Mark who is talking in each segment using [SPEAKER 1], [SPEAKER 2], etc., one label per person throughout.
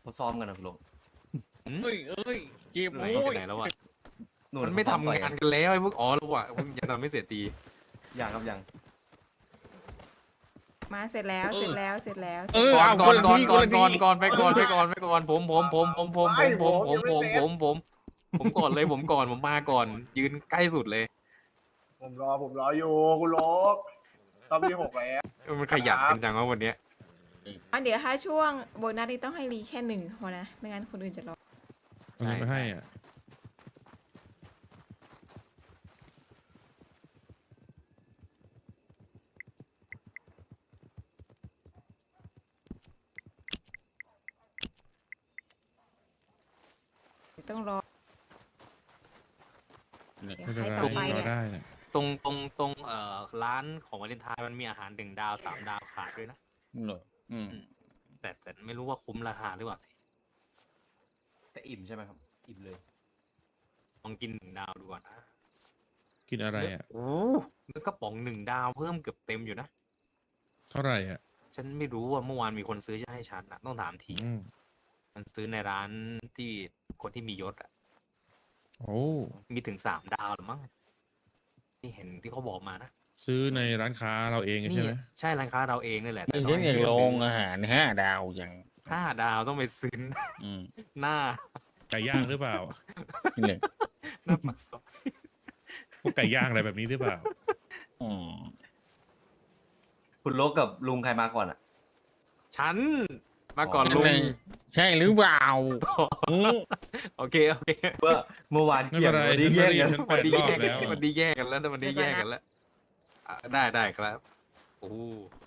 [SPEAKER 1] เขาซ้อมกันนะคุณลุง
[SPEAKER 2] เอ้ยเกม
[SPEAKER 3] ไหน
[SPEAKER 2] โอ้ย
[SPEAKER 3] ไหนแล้ววะ
[SPEAKER 1] นู่
[SPEAKER 3] มันไม่ทำงานกันแล้วไอ้พวกอ๋อแล้ววะพวกยังทำไม่เสร็จดี
[SPEAKER 1] ยังครับยัง
[SPEAKER 4] มาเสร็จแล้วเสร็จแล้วเสร็จแล้ว
[SPEAKER 3] ก่อน
[SPEAKER 2] เอา
[SPEAKER 3] ก่อน
[SPEAKER 2] ค
[SPEAKER 3] ก่อน
[SPEAKER 2] ละที
[SPEAKER 3] ก่อน
[SPEAKER 2] ค
[SPEAKER 3] ก่อน
[SPEAKER 2] ละที
[SPEAKER 3] ก่อนไปก่อนไปก่อนไปก่อนผมก่อนเลยผมมาก่อนยืนใกล้สุดเลย
[SPEAKER 5] ผมรออยู่คุณโลกตอนที่6แล้ว
[SPEAKER 3] มันขยันกันจังวะวันเนี้ย
[SPEAKER 4] เดี๋ยวถ้าช่วงโบนัสนี่ต้องให้รีแค่หนึ่งพอนะไม่งั้นคนอื่นจะรอ
[SPEAKER 6] เอาเงินไปให้อ่ะ
[SPEAKER 4] ต้องรอ
[SPEAKER 2] เนี่ย
[SPEAKER 4] เดี๋ยว
[SPEAKER 6] ไม่เป็น
[SPEAKER 4] ใคร
[SPEAKER 6] ไร
[SPEAKER 4] ต่อไป
[SPEAKER 6] รอ
[SPEAKER 4] เนี่ย
[SPEAKER 6] ได้เนี่ย
[SPEAKER 3] ตรงร้านของวาเลนไทน์มันมีอาหาร1 ดาว 3 ดาวขายด้วยนะ
[SPEAKER 2] เหรอ
[SPEAKER 3] แต่ไม่รู้ว่าคุ้มราคาหรือเปล่าสิ
[SPEAKER 1] แต่อิ่มใช่ไหมครับอิ่มเลย
[SPEAKER 3] ลองกิน1 ดาวดูก่อนนะ
[SPEAKER 6] กินอะไรอ่ะ
[SPEAKER 3] โอ้เนื้อกระป๋อง1 ดาวเพิ่มเกือบเต็มอยู่นะ
[SPEAKER 6] เท่าไหร่อ่ะ
[SPEAKER 3] ฉันไม่รู้ว่าเมื่อวานมีคนซื้อให้ฉันนะต้องถามที
[SPEAKER 6] อืม
[SPEAKER 3] มันซื้อในร้านที่คนที่มียศอ่ะ
[SPEAKER 6] โอ้
[SPEAKER 3] มีถึง3 ดาวหรือมั้งที่เห็นที่เขาบอกมานะ
[SPEAKER 6] ซื้อในร้านค้าเราเอง
[SPEAKER 3] นี่
[SPEAKER 6] ใช่ไหม
[SPEAKER 3] ใช่ร้านค้าเราเองนี่แหละ
[SPEAKER 2] นี่ฉันอยากลงอาหาร5 ดาวอย่าง
[SPEAKER 3] 5 ดาวต้องไปซื้อ
[SPEAKER 2] อืม
[SPEAKER 3] หน้า
[SPEAKER 6] ไก่ย่างหรือเปล่า
[SPEAKER 2] นี่เลย
[SPEAKER 3] หน้าปากซอย
[SPEAKER 6] พวกไก่ย่างอะไรแบบนี้หรือเปล่า
[SPEAKER 2] อืม
[SPEAKER 1] คุณโลกกับลุงใครมาก่อนอ่ะ
[SPEAKER 3] ฉันมาก่อนลุง
[SPEAKER 2] ใช่หรือเปล่าอืม
[SPEAKER 3] โอเค
[SPEAKER 1] เมื่อวาน
[SPEAKER 6] ไม่
[SPEAKER 1] เกี่
[SPEAKER 6] เป็
[SPEAKER 1] ยง
[SPEAKER 6] นไร
[SPEAKER 1] วันนี้
[SPEAKER 6] ฉัน
[SPEAKER 1] แย่
[SPEAKER 6] ไม่
[SPEAKER 1] ง
[SPEAKER 6] ได้
[SPEAKER 1] กัน
[SPEAKER 6] ฉัน8 รอบแล้ว
[SPEAKER 3] มันดีแยกกันแล้วมันดีแยกกันแล้วอ่ะได้ครับโอ้โห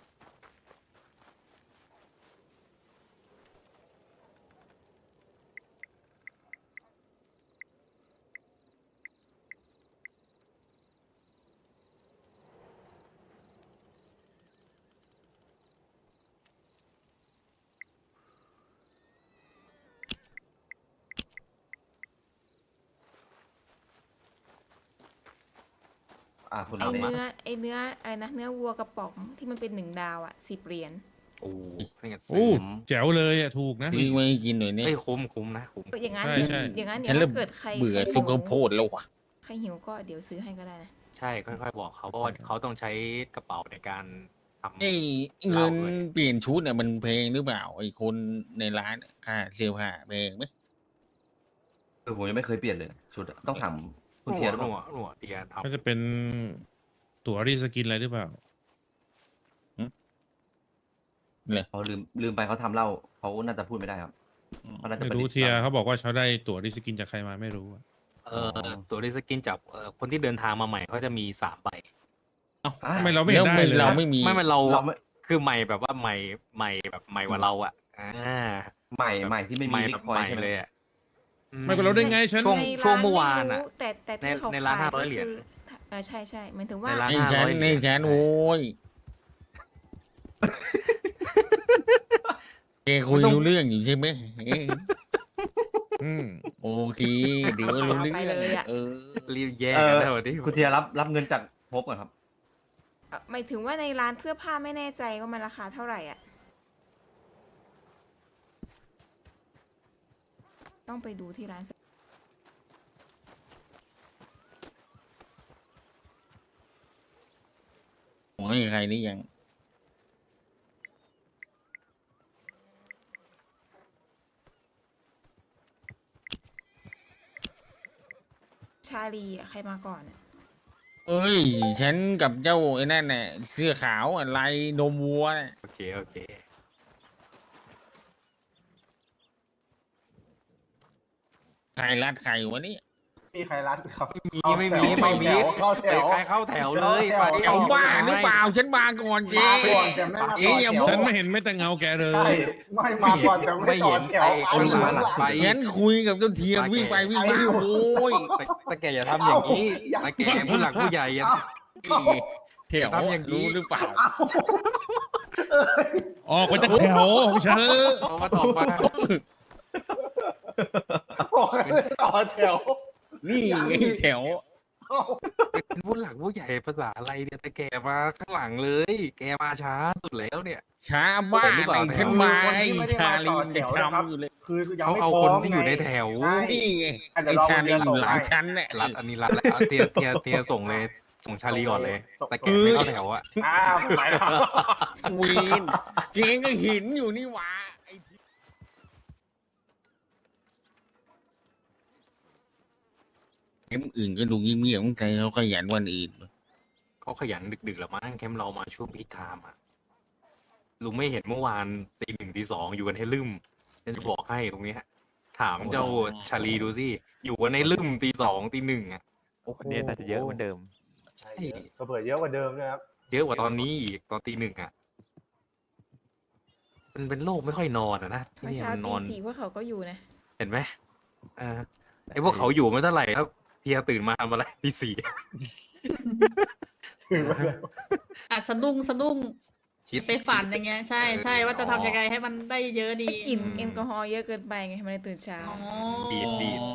[SPEAKER 1] คุณ
[SPEAKER 4] ไอ
[SPEAKER 1] เอามา
[SPEAKER 4] เนื้ออะไรนะเนื้อวัวกระป๋องที่มันเป็น1 ดาวอ่ะ10 เหรียญ
[SPEAKER 3] โอ้ไม่งั้น
[SPEAKER 6] โอ้
[SPEAKER 3] ซื้อ
[SPEAKER 6] แจ๋วเลยอ่ะ ถูกนะ
[SPEAKER 2] ซื้อไม่กินหน่อยเนี่ย
[SPEAKER 3] เอ้ยคุ้มนะคุ้ม
[SPEAKER 4] อย่างนั้น
[SPEAKER 6] ใช่ใช่
[SPEAKER 4] อย่างนั้น
[SPEAKER 2] ฉัน
[SPEAKER 4] เดี๋ยว
[SPEAKER 2] เริ่ม
[SPEAKER 4] ถ้าเกิดใคร
[SPEAKER 2] เบื่อ
[SPEAKER 4] ใคร
[SPEAKER 2] ซุปข้าวโพดแล้วว่ะ
[SPEAKER 4] ใครหิวก็เดี๋ยวซื้อให้ก็ได้นะ
[SPEAKER 3] ใช่ค่อยๆบอกเขาเพราะว่าเขาต้องใช้กระเป๋าในการทำ
[SPEAKER 2] ไอ้เงินเปลี่ยนชุดเนี่ยมันเพลงหรือเปล่าไอ้คนในร้านค่าเสื้อผ้าเพลงไหม
[SPEAKER 1] ผมยังไม่เคยเปลี่ยนเลยชุดอะต้องถามคุณ
[SPEAKER 3] ห
[SPEAKER 1] เทียร์หรือเป
[SPEAKER 3] นัว
[SPEAKER 1] ล่า
[SPEAKER 3] หนัวเตียทำ
[SPEAKER 6] ก็จะเป็นตั๋วรีสกินอะไรหรือเปล่า
[SPEAKER 1] เขาลืมไปเขาทำเหล้าเขาน่าจะพูดไม่ได้ครับเขาน่าจะ
[SPEAKER 6] ไม่
[SPEAKER 1] ประ
[SPEAKER 6] รู้
[SPEAKER 1] ดิษฐ์
[SPEAKER 6] เทียร์เขาบอกว่าเขาได้ตั๋วรีสกินจากใครมาไม่รู้อะ
[SPEAKER 3] ตัวรีสกินจากคนที่เดินทางมาใหม่เขาจะมี3 ใบ
[SPEAKER 1] อ่ะ
[SPEAKER 6] ทำไมเราไม่เห็นได้เลย
[SPEAKER 2] เราไม่มี
[SPEAKER 3] ไม่เรา
[SPEAKER 1] เราไม่
[SPEAKER 3] คือใหม่แบบว่าใหม่แบบใหม่กว่าเราอ่ะ
[SPEAKER 1] ใหม่ที่ไม่
[SPEAKER 3] ให
[SPEAKER 1] มี
[SPEAKER 3] ม่
[SPEAKER 1] ลิ
[SPEAKER 3] แบบ
[SPEAKER 1] คอย
[SPEAKER 3] ใหม่
[SPEAKER 1] ใช่ไหม
[SPEAKER 3] เลยอ่ะ
[SPEAKER 6] ไม่ก็เราได้ไงฉัน
[SPEAKER 3] ช่วง
[SPEAKER 4] ในร้าน
[SPEAKER 3] เมื่อวานอะ
[SPEAKER 4] ไม่รู้แต่ที่เขา
[SPEAKER 3] ในร้าน
[SPEAKER 4] ขาย
[SPEAKER 3] 500 เหรียญ
[SPEAKER 4] คือใช่หมายถึงว่า
[SPEAKER 3] ในร้าน
[SPEAKER 2] ไอ้ฉัน
[SPEAKER 3] 500
[SPEAKER 2] ไอ้ฉันโว้ยแกคุยรู้เรื่องอยู่ใช่ไหมเอ้ย
[SPEAKER 6] อืม
[SPEAKER 2] โอเคเดี๋ยวรู้เรื่อง
[SPEAKER 4] ไปเลยอะ
[SPEAKER 2] เออ
[SPEAKER 3] รีบแยกกันแล้วดิ
[SPEAKER 1] คุณเทียร์รับเงินจากพบก่อนครับ
[SPEAKER 4] หมายถึงว่าในร้านเสื้อผ้าไม่แน่ใจว่ามันราคาเท่าไหร่อ่ะต้องไปดูที่ร้านเสื้อ
[SPEAKER 2] ผมไม่มีใครนี่ยัง
[SPEAKER 4] ชาลีอะใครมาก่อนอะ
[SPEAKER 2] เอ้ย ฉันกับเจ้าไอ้นั่นน่ะเสื้อขาวอะลายนมวัวน่ะ
[SPEAKER 3] โอเค
[SPEAKER 2] ใครรัดใครวะเนี่ย
[SPEAKER 5] มีใครรัดครับ
[SPEAKER 3] ไม่มี
[SPEAKER 5] เข้าแถว
[SPEAKER 3] ใครเข้าแถวเลย
[SPEAKER 5] เข้าแถว
[SPEAKER 2] เอาบ้าหรือเปล่าฉันมาก่อนเจ๊
[SPEAKER 5] มาก่อนแต่ไม่มาต่อแถว
[SPEAKER 6] ฉันไม่เห็นไม่แต่เงาแกเล
[SPEAKER 5] ใช่
[SPEAKER 6] ย
[SPEAKER 5] ไม่มาก่อนแต่ไม่ต่อแถว
[SPEAKER 1] ไอ้หลังหลังไฟ
[SPEAKER 2] ฉันคุยกับเจ้าเทียมวิ่งไปวิ่งมาโอ้ย
[SPEAKER 3] แต่แกอย่าทำอย่างนี้แต่แกผู้หลักผู้ใหญ่อะ
[SPEAKER 2] แถว
[SPEAKER 3] ทำอย่างนี้
[SPEAKER 2] รู้หรือเปล่า
[SPEAKER 6] ออกไปจากแถวของฉัน
[SPEAKER 3] เอามาตอบมา
[SPEAKER 5] บอกให้ต่อแถว
[SPEAKER 2] นี่ไงแถว
[SPEAKER 5] เอ้า
[SPEAKER 3] เป็นผู้หลักผู้ใหญ่ภาษาอะไรเนี่ยแต่แกมาข้างหลังเลย แกมาช้าสุดแล้วเนี่ย
[SPEAKER 2] ช้าบ้า
[SPEAKER 3] หรือเป
[SPEAKER 2] ไหน
[SPEAKER 3] ล่า
[SPEAKER 2] ขึ้นมา
[SPEAKER 5] คน
[SPEAKER 2] ไอ้
[SPEAKER 5] ที่ไม่ได้
[SPEAKER 2] ชา
[SPEAKER 5] มา
[SPEAKER 2] ลี
[SPEAKER 5] ต่อน แถ
[SPEAKER 2] เด็ก
[SPEAKER 5] วนะครับ
[SPEAKER 2] ทำอยู่เลย
[SPEAKER 5] คือยัง
[SPEAKER 3] เขา
[SPEAKER 5] ไม่
[SPEAKER 3] เอา
[SPEAKER 5] พร้
[SPEAKER 3] ค
[SPEAKER 5] อน ม
[SPEAKER 3] ที่อยู่ในแถว
[SPEAKER 5] ใช่
[SPEAKER 2] นี่ไง
[SPEAKER 5] อันเดี๋
[SPEAKER 2] ไอ้
[SPEAKER 5] ยวรอ
[SPEAKER 2] ชาลีอยู่หลัง
[SPEAKER 5] ให้
[SPEAKER 2] ชั้นเนี่ย
[SPEAKER 3] รัดอันนี้รัดแล้วเอาเตียส่งเลยส่งชาลีก่อนเลย แต่แกไม่เข้าแถวอะ
[SPEAKER 5] อ้าวไปแล้ว
[SPEAKER 2] วีนเจงก็หินอยู่นี่หว่าไอ้ที่เกมอื่นก็ดูเงียบๆแต่เขาขยันวันอื่น
[SPEAKER 3] เขาขยันดึกๆแล้วมั้งแคมป์เรามาช่วงพีคไทม์อะลุงไม่เห็นเมื่อวานตีหนึ่งตีสองอยู่กันให้ลืมฉันจะบอกให้ตรงเนี้ยถามเจ้าชาลีดูสิอยู่กันในลืมตีสองตีหนึ่งอะ
[SPEAKER 7] วันนี้น่าจะเยอะเหมือนเดิม
[SPEAKER 5] ใช่ก็เผื่อเยอะกว่าเดิมนะครับ
[SPEAKER 3] เยอะกว่าตอนนี้อีกตอนตีหนึ่งอะมันเป็นโรคไม่ค่อยนอนอะนะที่
[SPEAKER 4] เมื่อ
[SPEAKER 3] นี่
[SPEAKER 4] เช้า
[SPEAKER 3] มันน
[SPEAKER 4] ตี
[SPEAKER 3] อน
[SPEAKER 4] 4พวกเขาก็อยู่นะ
[SPEAKER 3] เห็นไหมไอ้พวกเขาอยู่ไม่เท่าไหร่ครับเทียตื่นมาทำอะไรตีสี่
[SPEAKER 5] ถึงว่า
[SPEAKER 8] สะดุ้ง
[SPEAKER 3] คิด
[SPEAKER 8] ไปฝันอย่างเงี้ยใช่ใช่ว่าจะทำยังไงให้มันได้เยอะดี
[SPEAKER 4] กลิ่นแอลกอฮอล์เยอะเกินไปไงมันเลยตื่นเช้า
[SPEAKER 8] อ๋อ
[SPEAKER 3] ดีด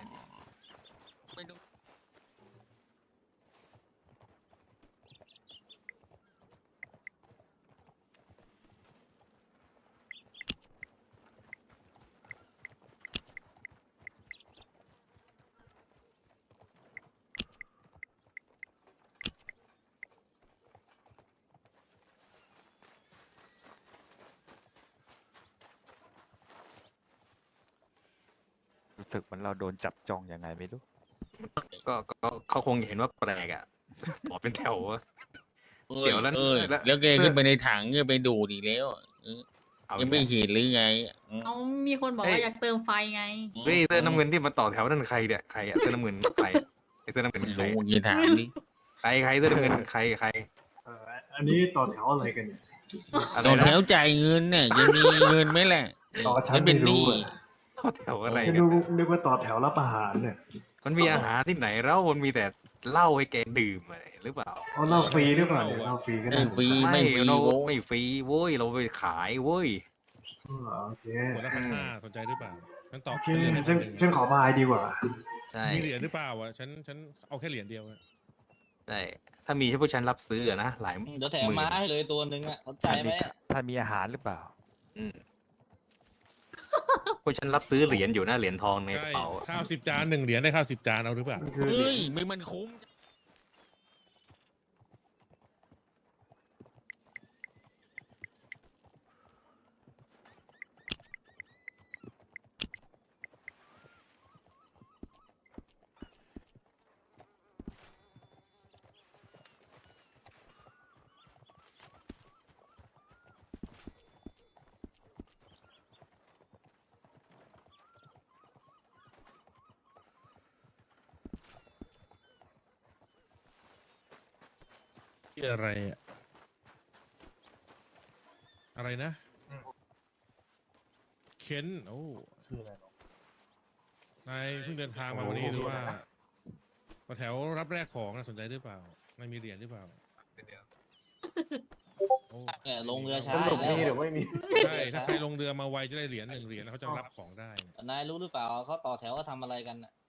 [SPEAKER 7] รู้สึกเหมือนเราโดนจับจองยังไงไม่รู้
[SPEAKER 3] ก็เขาคงเห็นว่าแปลกอ่ะต่อเป็นแถวอะ เดี๋ยวแล้ว
[SPEAKER 2] แล้วแกขึ้นไปในถังก็ไปดูดอีกแล้ว
[SPEAKER 3] เอา
[SPEAKER 2] ยังไม่เห็นหรือไง
[SPEAKER 8] เขามีคนบอกว่าอยากเติมไฟไง
[SPEAKER 3] เฮ้ยเสื้อน้ำเงินที่มาต่อแถวนั่นใครเนี่ยใครอะเสื้อน้ำเงินใครไอ้เสื้อน้ำเงิน
[SPEAKER 2] ไม่
[SPEAKER 3] ใคร
[SPEAKER 2] รู้อย่าถามดิ
[SPEAKER 3] ใครเสื้อน้ำเงินใคร
[SPEAKER 9] อันนี้ต่อแถวอะไรกันเนี่ย
[SPEAKER 3] อะไร
[SPEAKER 2] ตอน
[SPEAKER 3] นะ
[SPEAKER 2] แถวจ่ายเงินเนี่ยจะมีเงินไหมแหละ
[SPEAKER 9] ต่อฉัน
[SPEAKER 2] ฉันเป็นห
[SPEAKER 9] ไม่รู้
[SPEAKER 2] นี้
[SPEAKER 9] อะ
[SPEAKER 3] ต่อแถวอะไร
[SPEAKER 9] ฉัน
[SPEAKER 3] กัน
[SPEAKER 9] นึกว่าต่อแถวรับอาหารเนี่ย
[SPEAKER 3] มันมีอาหารที่ไหนแล้วมันมีแต่เหล้าให้แกดื่มอะไรหรือเปล่า
[SPEAKER 9] เอาเหล้าฟรีหรือเปล่าเนี่ยเหล้าฟรีก็ได้
[SPEAKER 2] ไม่ฟรีไม่ฟรี
[SPEAKER 3] เรา
[SPEAKER 2] โว้ย
[SPEAKER 3] ไม่ฟรีเว้ยเราไปขายเว้ย
[SPEAKER 9] อ๋อโอเค
[SPEAKER 6] ขวดละ1,500สนใจหรือเปล่าฉันตอบ
[SPEAKER 9] โอเค
[SPEAKER 6] เหรียญให้
[SPEAKER 9] ฉัน
[SPEAKER 6] 1,000
[SPEAKER 9] ฉันขอบายดีกว่า
[SPEAKER 3] ใช่
[SPEAKER 6] มีเหรียญหรือเปล่าอ่ะฉันเอาแค่เหรียญเดียวอะ
[SPEAKER 3] ใช่ถ้ามีให้พวกฉันรับซื้ออะนะหลาย
[SPEAKER 10] เดี๋ยวแถม
[SPEAKER 3] หมื่น
[SPEAKER 10] ม้าให้เลยตัวหนึ่งอ่ะสนใจไหมอะ
[SPEAKER 7] ถ้ามีอาหารหรือเปล่า
[SPEAKER 3] พวกฉันรับซื้อเหรียญอยู่นะเหรียญทองในกระ
[SPEAKER 6] ใช่
[SPEAKER 3] เป๋า
[SPEAKER 6] ข้าว10 จาน1 เหรียญได้ข้าว10 จานเอาหรือเปล่า
[SPEAKER 9] คือ
[SPEAKER 2] เฮ้ยไม่มันคุ้ม
[SPEAKER 6] ที่อะไรอะอะไรนะเคนโอ้
[SPEAKER 5] คืออะไรหรอน
[SPEAKER 6] ายเพิ่งเดินทางมาวันนี้หรือว่าแถวรับแรกของนะสนใจหรือเปล่านายมีเหรียญหรือเปล่าโอ้
[SPEAKER 10] เนี่ยลงเรือช้า
[SPEAKER 5] สรุป
[SPEAKER 10] แล้ว
[SPEAKER 5] มีหรือไม่มี
[SPEAKER 6] ใช่ถ้าใครลงเรือมาไวจะได้เหรียญ1 เหรียญแล้วเขาจะรับของได้
[SPEAKER 10] นายรู้หรือเปล่าเขาต่อแถวเขาทำอะไรกันน่ะ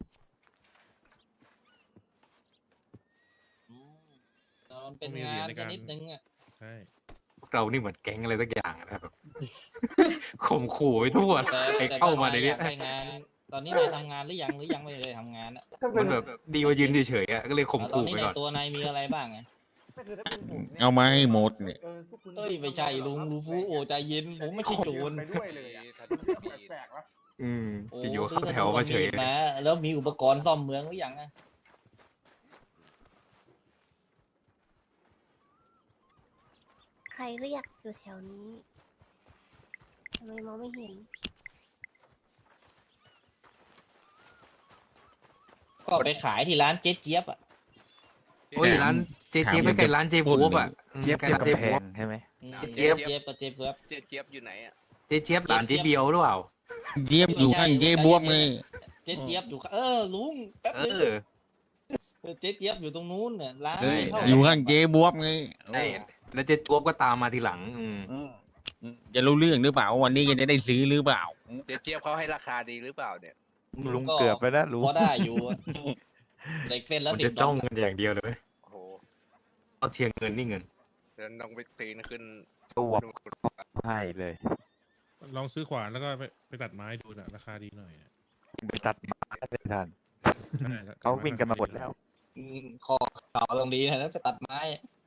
[SPEAKER 10] อืมแต่มันเป็นงานชนิดนึงอ่ะ
[SPEAKER 6] ใช่
[SPEAKER 3] พวกเรานี่เหมือนแก๊งอะไรสักอย่างนะแบบ ข่มขู่ไปทั่วใครเข้ามาใน
[SPEAKER 10] อ
[SPEAKER 3] เนี้
[SPEAKER 10] ยาย กไปงาน ตอนนี้นายทำงานหรือยังไม่ได้ทำงานอ่ะ
[SPEAKER 5] ถ้าเป็
[SPEAKER 3] มัน นแบบดีกว่ายืนเฉยๆอะก็เลยข่ม
[SPEAKER 10] ตอน
[SPEAKER 3] ขู่
[SPEAKER 10] นี้
[SPEAKER 3] ไป
[SPEAKER 10] ใน
[SPEAKER 3] ก่อน
[SPEAKER 10] ตัวนายมีอะไรบ้างไง
[SPEAKER 5] ไม่คือถ้าเป็นผมนี่ย
[SPEAKER 2] เอามาให้หมดเนี่ย
[SPEAKER 5] พวกคุณ
[SPEAKER 10] เอ้ยไม่ใช่ลุงรู้ฟูโอใจเย็นผมไม่ใช่โจร
[SPEAKER 5] ไปด้วยเลยอะแปลกๆวะ
[SPEAKER 10] โอ้
[SPEAKER 3] อยู่ๆ
[SPEAKER 10] ซื้
[SPEAKER 3] เข้าแถวมาเฉย
[SPEAKER 10] ธนูกับมีดมาแล้วมีอุปกรณ์ซ่อมเมืองหรือยังอะ
[SPEAKER 11] ใครเรียกอยู่แถวนี้ทำไมมองไม่เห็น
[SPEAKER 10] ก็ไปขายที่ร้านเจ๊เจี๊ยบอ่ะ
[SPEAKER 3] โอ้ยร้านเจ๊ไม่ใกล้ร้านเจ๊บัวอ่ะ
[SPEAKER 7] เจี๊ยบ
[SPEAKER 3] ใกล้
[SPEAKER 7] เจี๊ยบ
[SPEAKER 3] ร้านเจ๊
[SPEAKER 7] กำแพ
[SPEAKER 3] บัว
[SPEAKER 7] งใช่ไหม
[SPEAKER 3] เจี๊ยบ
[SPEAKER 10] เจี๊ยบกับเจ๊เจี๊ยบ
[SPEAKER 3] เจ๊เจี๊ยบหลานเจ๊เบียวหรือเปล่า
[SPEAKER 2] เจี๊ยบอยู่ข้างเจ๊บวบไง
[SPEAKER 10] เจ๊เจี๊ยบอยู่ลุงแป๊บ
[SPEAKER 3] เอ
[SPEAKER 10] นึง
[SPEAKER 3] อ
[SPEAKER 10] เจ๊เจี๊ยบอยู่ตรงนู้นเนี่ยร้าน
[SPEAKER 2] เอ้ย
[SPEAKER 10] เข้า
[SPEAKER 2] อยู่ข้างเจ๊บวบไง
[SPEAKER 3] ใช่แล้วเจ๊จวบก็ตามมาทีหลัง
[SPEAKER 2] จะรู้เรื่องหรือเปล่าวันนี้จะได้ซื้อหรือเปล่า
[SPEAKER 12] เจ๊เจี๊ยบเขาให้ราคาดีหรือเปล่าเนี่ย
[SPEAKER 7] ลุงเกือบไปแล้วลุง
[SPEAKER 10] พอได้อยู่อะเหล็กเส้นละ
[SPEAKER 3] มัน
[SPEAKER 10] 10
[SPEAKER 3] จะจ้อง
[SPEAKER 10] ดอล
[SPEAKER 3] กันอย่างเดียวเลย
[SPEAKER 12] โอ้โห
[SPEAKER 3] เอาเทียงเงินนี่เงิน
[SPEAKER 12] เดินต้องไปปีนขึ้น
[SPEAKER 7] ตัวให้เลย
[SPEAKER 6] ลองซื้อขวานแล้วก็ไปตัดไม้ดูนะราคาดีหน่อยนะ
[SPEAKER 7] ไปตัดไม้ไม่ทัน
[SPEAKER 6] ใช่แล้ว
[SPEAKER 7] เขาวิ่งกันมาหมดแล้ว
[SPEAKER 10] คอเข่าตรงนี้นะแล้วไปตัดไม้อะ